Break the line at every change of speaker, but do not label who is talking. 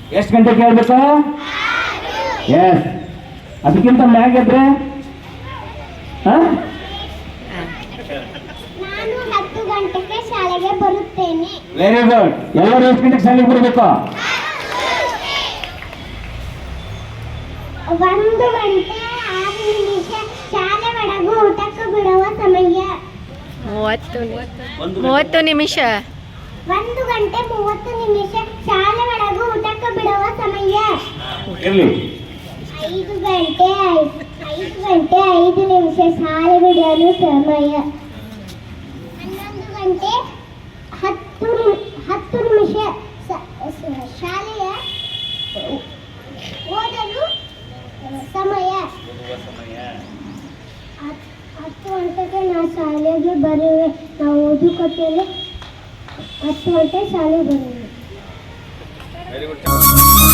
ಎಷ್ಟು ಗಂಟೆಗೆ ಹೇಳ್ಬೇಕು? ಎಸ್. ಅದಕ್ಕಿಂತ ಮ್ಯಾಗಿದ್ರೆ
ನಾನು 10 ಗಂಟೆಗೆ ಶಾಲೆಗೆ ಬರುತ್ತೇನೆ.
Very good. ಎಲ್ಲರೂ ಎಷ್ಟು ಗಂಟೆಗೆ ಶಾಲೆಗೆ ಬರಬೇಕು?
1 ಗಂಟೆ 6 ನಿಮಿಷ ಶಾಲೆ ಒಳಗೂ ಊಟಕ್ಕೆ ಬಿಡುವ ಸಮಯ.
30 ನಿಮಿಷ.
1 ಗಂಟೆ 30 ನಿಮಿಷ ಶಾಲೆ ಒಳಗೂ ಊಟಕ್ಕೆ ಬಿಡುವ ಸಮಯ.
ಇರಲಿ.
5 ಗಂಟೆ 5 ನಿಮಿಷ ಶಾಲೆ ಬಿಡಲು ಸಮಯ. 11 ಗಂಟೆ 10 ನಿಮಿಷ ಶಾಲೆಯ ಓದಲು ಸಮಯ. 10 ಗಂಟೆಗೆ ನಾವು ಶಾಲೆಗೆ ಬರುವೆ. ನಾವು ಓದುಕೊತೇವೆ. 10 ಗಂಟೆ ಶಾಲೆಗೆ ಬರುವೆ.
Very good.